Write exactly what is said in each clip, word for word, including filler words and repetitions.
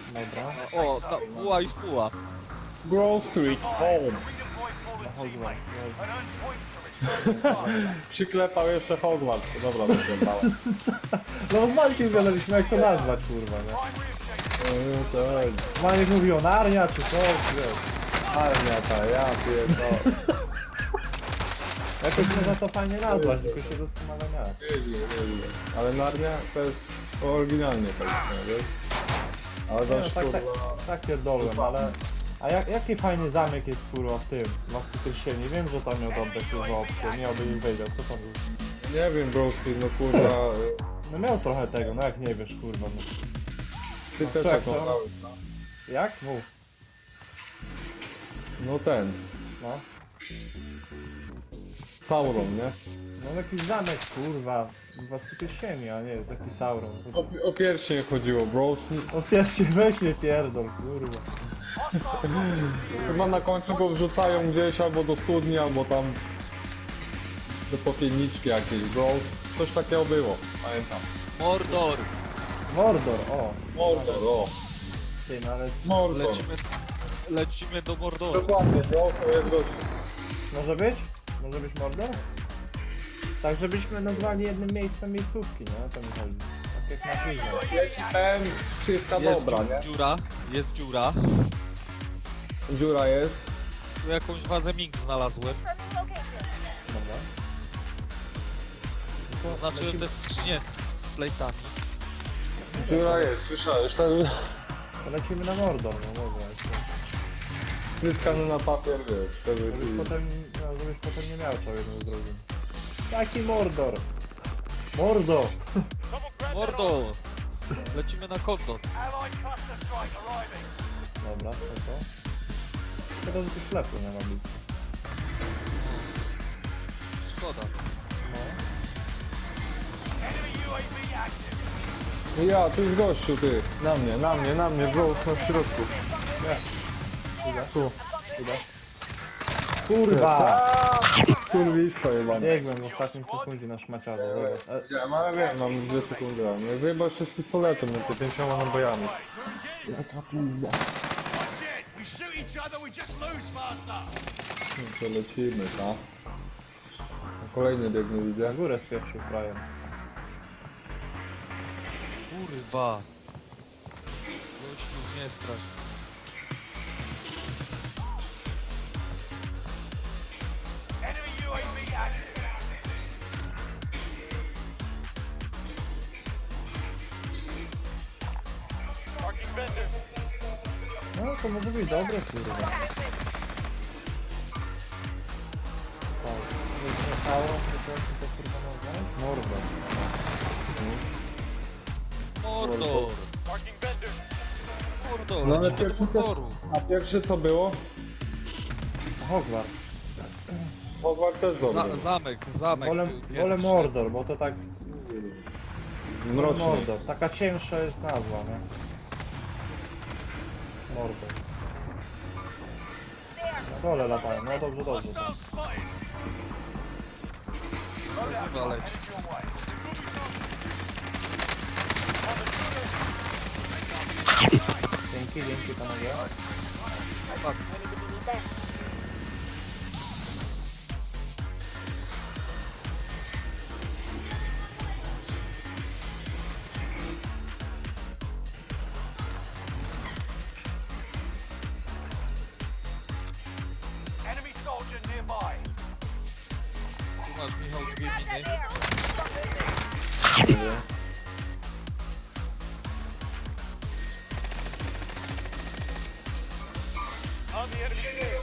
Dobra. O, ta, buła i spuła. Grove Street, home. Na Hogwarts. Przyklepał jeszcze Hogwarts. Dobra, przyklepałem. No z Mańkiem gadaliśmy jak to nazwać, kurwa, nie? Tak. Maniek mówił Narnia czy coś, wiesz. Armia ta, ja pierdolę. Jakoś można to fajnie nazwać, tylko się zastanawiam jak. Nieźle, nieźle. Ale Narnia to jest oryginalnie powiedzmy, wiesz? Ale Nie, to no, jest tak, tak, kurwa... tak pierdolłem, ale... A jak, jaki fajny zamek jest kurwa w tym, Władcy Pierścieni? Wiem, że tam miał oddać kurwa opcję, nie oby wiedział, co tam jest. Nie wiem, Grove Street, no kurwa... No miał trochę tego, no jak nie wiesz kurwa, no. Ty No też tak, taką no. dałeś, no. Jak? Mów. No ten. No. Sauron, nie? No jakiś zamek kurwa, Władcy Pierścieni, a nie taki Sauron. O, o pierścień chodziło, bro. O pierwszy weź mnie pierdol, kurwa. Chyba na końcu go wrzucają gdzieś albo do studni, albo tam do popielniczki jakiejś, bro. Coś takiego było, pamiętam. Mordor. Mordor, o. Mordor, o. Ty, no ale Mordor. Lecimy, lecimy do Mordoru. Dokładnie, bro, to jest gościu. może być? Może być Mordor? Tak, żebyśmy nazwali jednym miejscem miejscówki, nie? To mi chodzi. Tak jak na filmie. Leci ten, wszystka Jest dobra, dziu- nie? dziura, jest dziura. Dziura jest. Tu jakąś wazę mink znalazłem. Dobra. No to Znaczyłem lecimy, też skrzynię z plejtami. Dziura jest, słyszałeś, ten to lecimy na Mordor, no dobra. Jeszcze. wyskany na papier, wiesz, wtedy Żebyś ci... potem, no, żebyś potem nie miał co jedno z drugim. Jaki Mordor? Mordo! Mordor! Lecimy na konto. Dobra, to to. Szkoda, że tu ślepu nie ma blisko. Szkoda. No. No ja, tu jest gościu, ty. Na mnie, na mnie, na mnie, bro, na środku. Idę. Tu. Idę. Kurwa! Kurwisko jebane. Biegłem w ostatnim sekundzie na szmaciarzu, zobacz. E, Wiem, ale wiem, mam dwie sekundy. Nie wyjebał jeszcze z pistoletem, no to pięcioma nabojami. Jaka pizda. Watch it! We shoot each other, we just lose faster! No to lecimy, tak? Kolejny biegnie, na widzę. górę spieprzył frajer. Kurwa. Gościu, nie strasz. Enemy U A V active! Marking vendor. No to może być dobre, kurwa. Tak, nie wjechało, to to to kurwa nazwać? Mordor. Mordor! Marking vendor. Mordor! No ale lecimy do pierwszy też... Mordoru. A pierwszy co było? Hogwarts. Hogwarts też dobry. Za, zamek, zamek. Wolę, był wolę pierwszy. Mordor, bo to tak... Mroczny. Mordor, taka cięższa jest nazwa, nie? Mordor. Na dole latają, no dobrze, dobrze. Hostile spotted! Nazywa leci. Your way. Dzięki, dzięki panowie. Tak. Enemy soldier nearby. Tu masz, Michał, dwie miny. On the enemy field.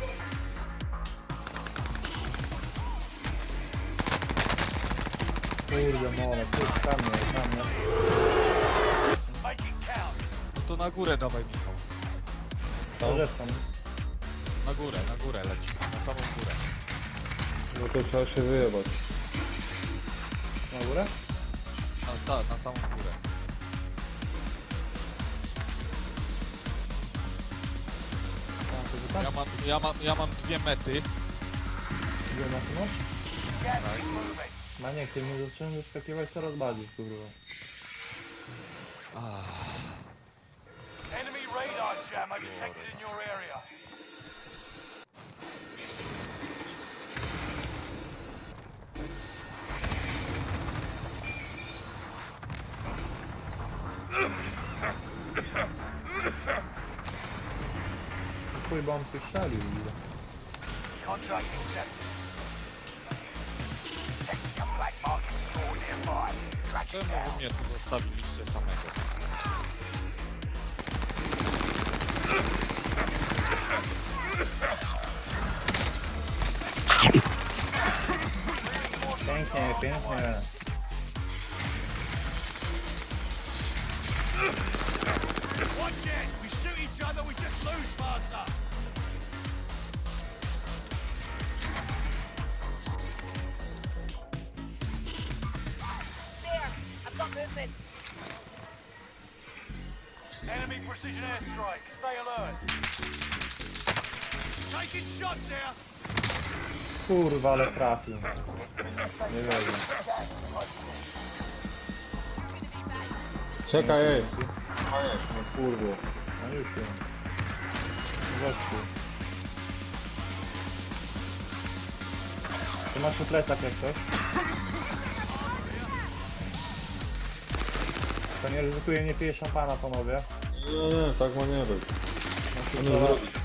Kurde mole, ty tam mnie, tam mnie. Making count. No to na górę dawaj, Michał. Dobrze tam. Na górę, na górę leci. Na samą górę. No to trzeba się wyjebać. Na górę? Na, ta, na samą górę. Tam, to wy tam? Ja mam, ja mam, ja mam dwie mety. Gdzie na tym masz? Gas is moving. Maniek, ty mnie zaczynasz wyskakiwać coraz bardziej, kurwa. Ah. detected in your area. Chuj, bo on tu strzelił. Contract accepted. Detecting a black market store nearby. Track it Czemu down. wy mnie tu zostawiliście samego? Pięknie, pięknie. Watch it! We shoot each other, we just lose faster. There! I've got movement! Enemy precision airstrike. Stay alert. Taking shots here. Kurwa, ale trafił. Nie wiem. Czekaj, ej. No kurwa. No już wiem. Gościu. Ty masz tu plecak jak coś? To nie ryzykuje, nie pije szampana, panowie. Nie, nie, tak ma nie być. No, Co nie to- zrobić?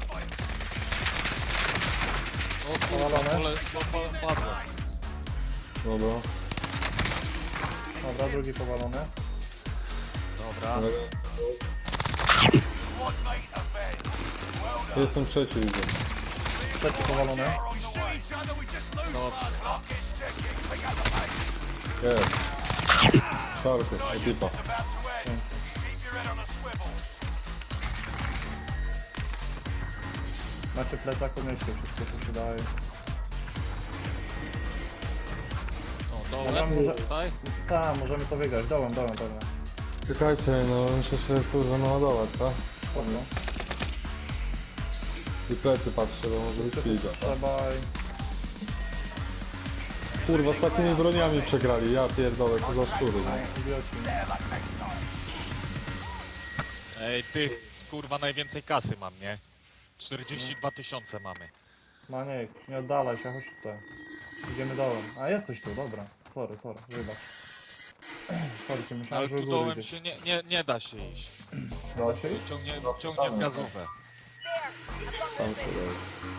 O Powalone? kurwa, pole, po, padło. Dobra. Dobra, drugi powalony. Dobra. Ale Squad mate event. Well done. jestem trzeci, widzę. Trzeci powalony. We shoot each other, we just lose Dobra. faster. Rockets checking. Pick up the pace. Jest. Czarty, ekipa. It's about to end. Keep your head on a swivel. Macie plecak, podnieście wszystko, co się daje. Co, Dobra, dołem? może- Tutaj? Tak, możemy to wygrać. Dołem, dołem, dołem. Czekajcie, no muszę się kurwa naładować, tak? Spoko. I plecy patrzę, bo może być figa. Trzeba i... Kurwa, z takimi broniami przegrali, ja pierdolę, to za szczury. No. Idioci. Ej, tych kurwa najwięcej kasy mam, nie? czterdzieści dwa tysiące mamy. Maniek, nie oddalaj się, chodź tutaj. Idziemy dołem. A jesteś tu, dobra. Sorry, sorry, wybacz. Sorry, Ale myślałem, że u tu góry dołem idziesz. się nie, nie, nie da się iść. Da się iść? Ciągnie, ciągnie w gazówę. There! I've got Tam movement! kurwa.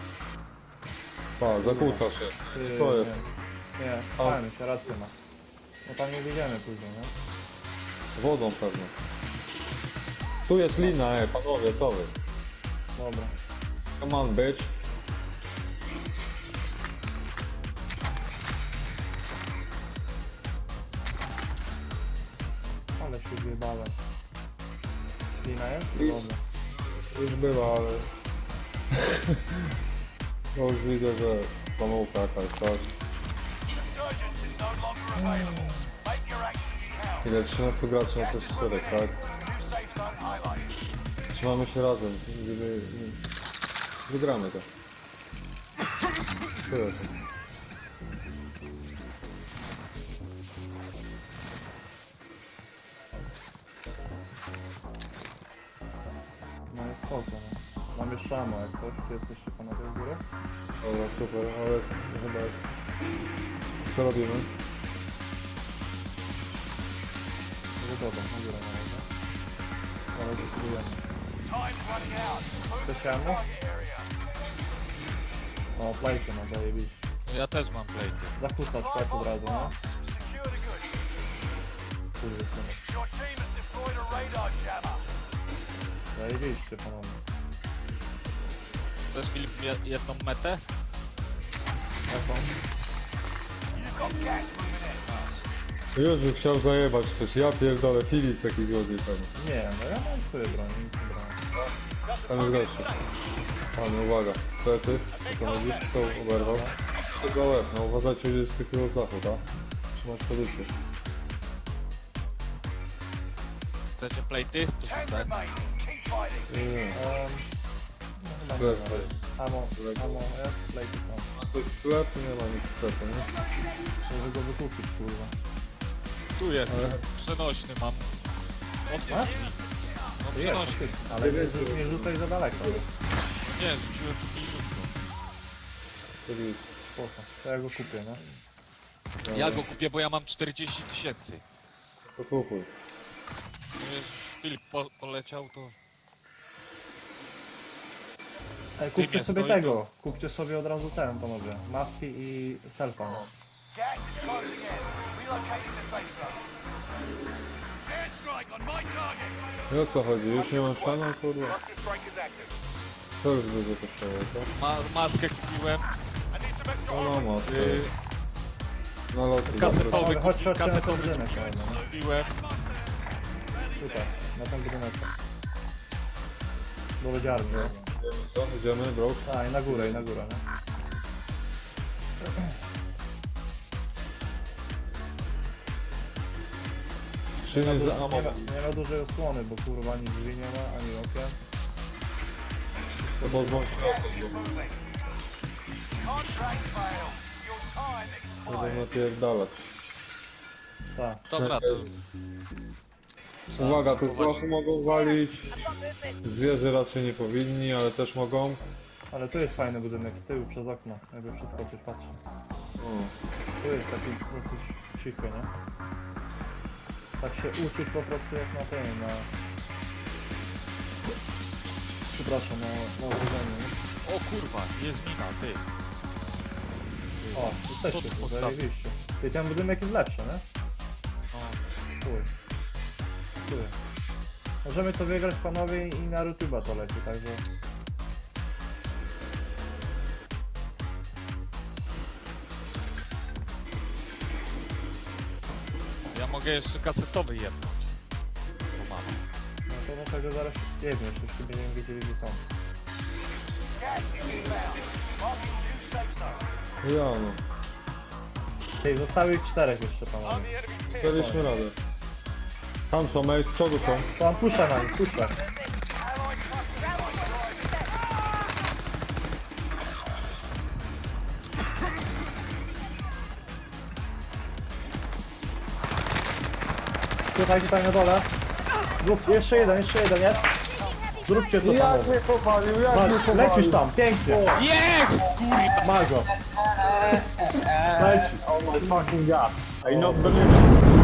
Pa, zakłócasz się. Ty, Co jest? Nie, nie fajnie, się rację ma. No tam nie wyjdziemy później, nie? Wodą pewnie. Tu jest lina, ej, panowie, co wy? Dobra. Come on, bitch. Ale się zjebałem. Lina jest? Dobra. Już była, ale... No już widzę, że pomyłka jakaś, tak? Resurgence is no longer available. Make your actions count. Ile? trzynaście graczy na te cztery, tak? New safe zone highlighted. Trzymamy się razem, gdyby... Wygramy to. Tyle. No jest spoko, no. Mam jeszcze ammo jak coś. Czy jesteście panowie u góry? Dobra, super, ale chyba jest... Co robimy? No dobra, na górę na razie. Ale spróbujemy. Time's running out. Move to Chcesz the ammo? target area. O, plejcie ma zajebiście. Ja też mam plejty. Zakłócać tak od razu, nie? Secure the goods. Kurde, synek. Your team has deployed a radar jammer. Zajebiście panowie. Chcesz Filip je- jedną metę? Jaką? You've got gas moving in. Już bym chciał zajebać coś, ja pierdolę, Filip taki złodziej pewnie. Nie, no ja mam swoje broń, nic nie brałem. Tam jest gościu. Panie, uwaga, plecy, co to widzisz, kto oberwał? Tego łeb, no uważajcie, gdzie jest z takiego zachu, tak? Trzymać pozycję. Chcecie plejty? Tu Ten rzucę. remain. Keep fighting. Nie, nie, Um, no, sklep chyba to nie. jest. Amo, amo, jest, plejty są. A to jest sklep, nie ma nic sklepu, nie? Może go wykupić, kurwa. Tu jest. Ale- Przenośny mam. Otwórz mi. No No To jest, przenoś. faktycznie, ale nie, rzu- nie rzucaj za daleko. Nie, rzuciłem tu pięćdziesiątkę. Czyli Spoko. To ja go kupię, no. Ja go kupię, bo ja mam czterdzieści tysięcy. to kupuj. Już Filip po, poleciał, to... Ej, kupcie Dymie sobie stoi, tego. Kupcie sobie od razu ten, panowie. Maski i selfa. No. Gas is closing in. Relocating the safe zone. Airstrike on my target. I o co chodzi? Już nie mam szanu, kurwa? Cluster strike is active. Co już będzie kosztowało, to? Ma, maskę kupiłem. I need some extra No, no, armor. maskę. Yy, Na loty. kasetowy, Panowie, chodź, kupi, chodźcie na ten kasetowy budynek. No. kupiłem. Tutaj, na ten budynek. Do lodziarni. No. Co? Idziemy, bro? A, i na górę, i na górę, no. Skrzynie Nie za ma, ammo. nie, ma, nie ma dużej osłony, bo kurwa ani drzwi nie ma, ani okien. To pozwól. Gas is moving. Contract failed. Your time Będę expired. napierdalać. Tak. Dobra, to... Uwaga, tu to prochu mogą walić. I've got movement. Zwierzę raczej nie powinni, ale też mogą. Ale tu jest fajny budynek, z tyłu przez okno, jakby przeskoczyć, patrzę. O. Tu jest taki dosyć cichy, nie? Tak się uczyć po prostu jak na tym, na... Przepraszam, na, na urodzeniu, nie? O kurwa, jest mina, ty. O, Co jesteście tu tu, postawił? zajebiście. I ten budynek jest lepszy, nie? No. Tu. Tu. Możemy to wygrać, panowie, i na YouTube'a to leci, także... Ja mogę jeszcze kasetowy jednąć. Bo mam. No to do tego zaraz jebniesz, jeśli będziemy wiedzieli, gdzie są. Gas is inbound. Marking new safe zone. Ja no. Ej, zostały ich czterech jeszcze, On panowie. the enemy's vehicle. Daliśmy radę. Tam są, ej, z przodu są. Tam puszczę na nich, puszczę. Allied cluster strike arriving. Tutaj, tutaj na dole. Zrób, jeszcze jeden, jeszcze jeden jest. Zróbcie to, panowie. powalił, jak Masz, lecisz tam, pięknie. Jest! Kurwa! Ma go. Leci. Oh my fucking god. I not believe it.